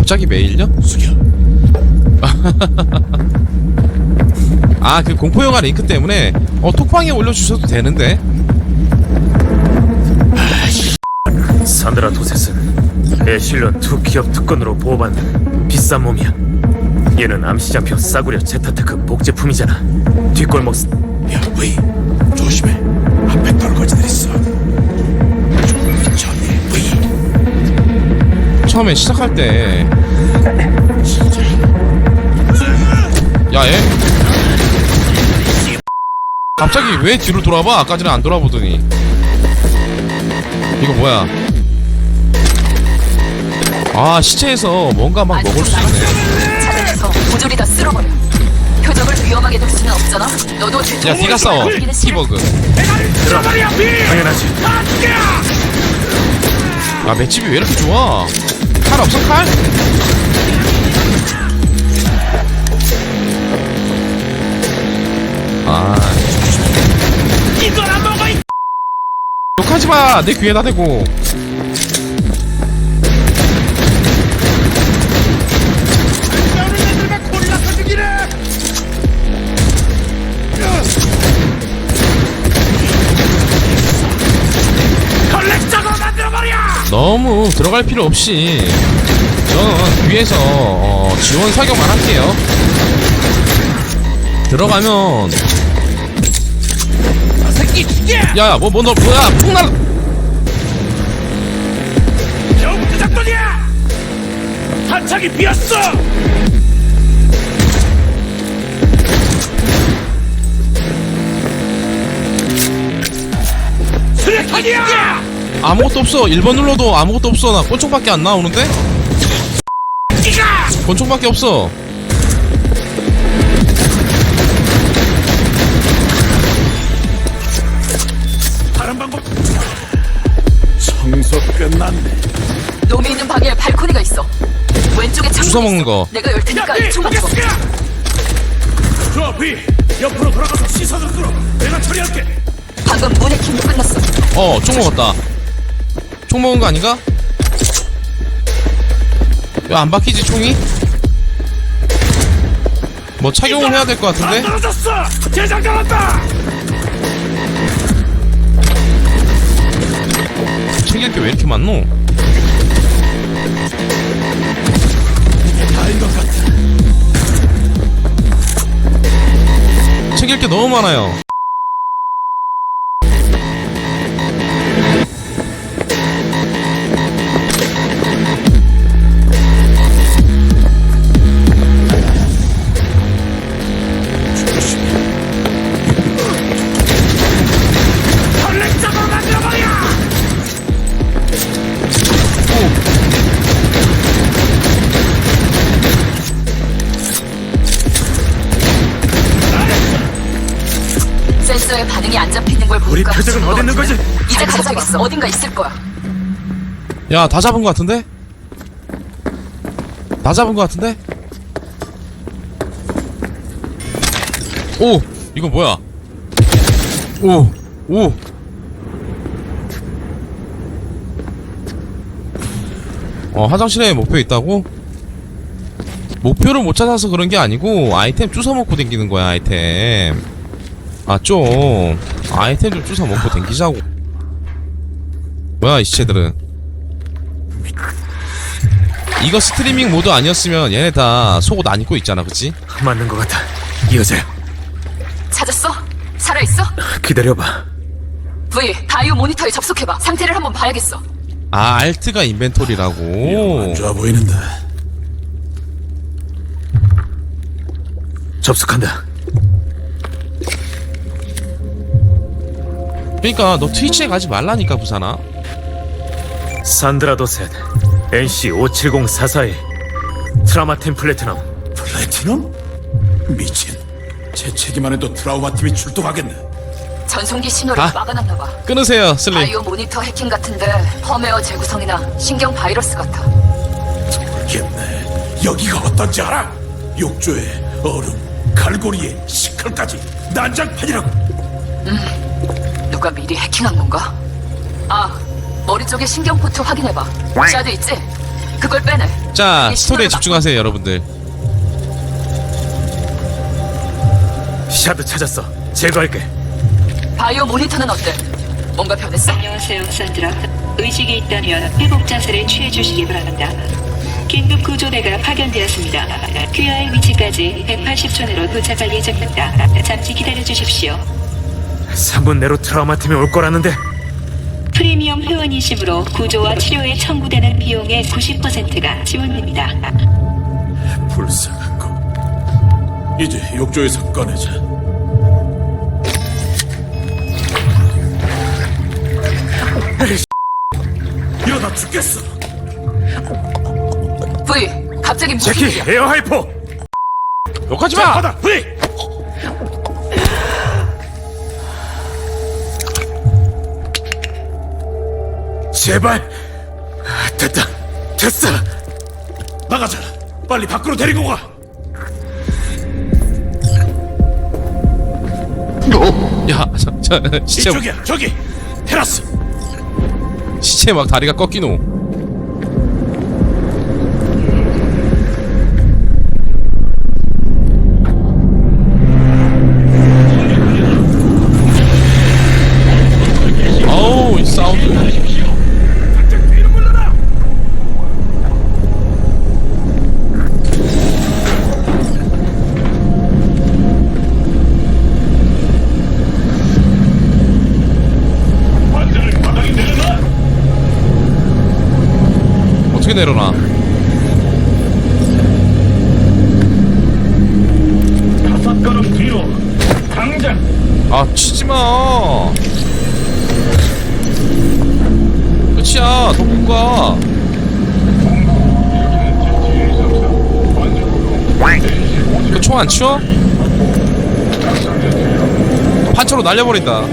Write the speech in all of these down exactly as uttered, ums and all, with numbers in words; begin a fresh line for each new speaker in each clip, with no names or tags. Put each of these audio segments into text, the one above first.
갑자기 메일요?
숙여.
아, 그 공포영화 링크 때문에 어 톡방에 올려주셔도 되는데.
산드라 도셋은 에실런 두 기업 특권으로 보호받는 비싼 몸이야. 얘는 암시장표 싸구려 제타테크 목제품이잖아. 뒷골목 쓰...
야, 왜? 조심해. 앞에 떨거지들 있어. 조금 전에 왜?
처음에 시작할 때 야, 얘 갑자기 왜 뒤로 돌아봐? 아까 전에 안 돌아보더니. 이거 뭐야? 아, 시체에서 뭔가 막 먹을 수 있네.
찾아내서 모조리 다 쓸어버려. 표적을 위험하게 둘 수는 없잖아. 너도
야, 니가 싸워. 티버그.
당연하지.
아, 맷집이 왜 이렇게 좋아? 칼 없어, 칼? 아,
이거나 먹어. 이
욕하지 마. 내 귀에다 대고.
싸우는 애들만 골라서 죽이래. 컬렉터로 만들어버려.
너무 들어갈 필요 없이 저는 위에서 어, 지원 사격만 할게요. 들어가면
새끼 죽여.
야야 뭐 뭐 너 뭐야 폭날.
겨우부터 작전이야. 한창이 비었어. 수류탄이야.
아무것도 없어. 일 번 눌러도 아무것도 없어. 나 권총밖에 안 나오는데? 권총밖에 없어.
다른 방법. 청소 끝났네.
놈이 있는 방에 발코니가 있어. 왼쪽에 창문
주워 먹는
있어.
거.
내가 열 테니까 이쪽 맞춰.
저 비. 옆으로 돌아가서 시선을 끌어. 내가 처리할게.
방금 문의 킴도 끝났어.
어, 총 먹었다. 총 먹은 거 아닌가? 왜 안 바뀌지 총이? 뭐 착용을 해야 될 것 같은데?
안 떨어졌어. 재장전 한다.
챙길 게 왜 이렇게 많노?
다인 것 같아.
챙길 게 너무 많아요.
컬렉터로 만들어버려.
센서에 반응이 안 잡히는 걸
우리
보니까
표적은 어디 있는 거지?
이제 가져가겠어. 어딘가 있을 거야.
야, 다 잡은 거 같은데? 다 잡은 거 같은데? 오! 이거 뭐야? 오! 오! 어, 화장실에 목표 있다고? 목표를 못 찾아서 그런 게 아니고 아이템 주워 먹고 댕기는 거야, 아이템. 아, 좀 아이템 좀 주워 먹고 댕기자고. 뭐야, 이 시체들은. 이거 스트리밍 모드 아니었으면 얘네 다 속옷 안 입고 있잖아, 그치?
맞는 것 같아. 이 여자야.
찾았어? 살아있어?
기다려봐.
V, 다이오 모니터에 접속해봐. 상태를 한번 봐야겠어.
아, 알트가 인벤토리라고.
좋아 보이는데.
접속한다.
그러니까 너 트위치에 가지 말라니까, 부산아.
산드라 도셋 엔씨 오칠공사사일 트라마 템플레트넘.
플래티넘? 미친. 재채기만 해도 트라우마 팀이 출동하겠네.
전송기 신호를
아.
막아놨나봐.
끊으세요, 슬림.
다이오 모니터 해킹 같은데 펌웨어 재구성이나 신경 바이러스 같아.
모르겠네. 여기가 어떤지 알아? 욕조에 얼음, 갈고리에 시칼까지 난장판이라고.
누가 미리 해킹한 건가? 아, 머리 쪽에 신경포트 확인해봐. 샤드 있지? 그걸 빼내.
자,
이게
스토리에
신호를
집중하세요, 여러분들.
샤드 찾았어. 제거할게.
막- 바이오 모니터는 어때? 뭔가 변했어?
안녕하세요, 산드라. 의식이 있다면 회복 자세를 취해 주시기 바랍니다. 긴급 구조대가 파견되었습니다. 귀하의 위치까지 백팔십 초 내로 도착할 예정입니다. 잠시 기다려 주십시오.
삼 분 내로 트라우마 팀이 올 거라는데.
프리미엄 회원이심으로 구조와 치료에 청구되는 비용의 구십 퍼센트가 지원됩니다.
불쌍한 거. 이제 욕조에서 꺼내자. 이러다 죽겠어.
V, 갑자기 무슨
제키,
일이야?
에어 하이포.
욕하지 마!
받아, 브이.
제발. 아, 됐다. 됐어.
나가자. 빨리 밖으로 데리고 가.
야, 저, 저, 시체,
이쪽이야. 저기. 테라스.
시체 막 다리가 꺾이노. 어우, 이 사운드. 어떻게 내려놔?
다섯 걸음 뒤로. 당장.
아, 치지 마. 끝이야. 더 못 가. 그 총 안 치워? 판처로 날려버린다.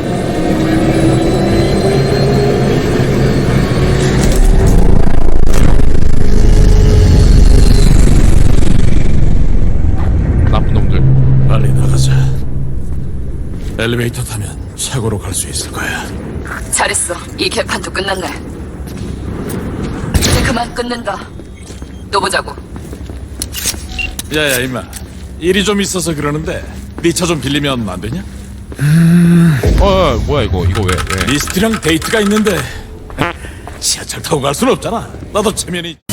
나쁜 놈들.
빨리 나가자. 엘리베이터 타면 차고로 갈 수 있을 거야.
잘했어. 이 개판도 끝났네. 이제 그만 끊는다. 또 보자고.
야야 임마. 일이 좀 있어서 그러는데 네 차 좀 빌리면 안 되냐?
어, 어, 뭐야 이거? 이거 왜? 왜?
리스트랑 데이트가 있는데 지하철 타고 갈 순 없잖아. 나도 체면이.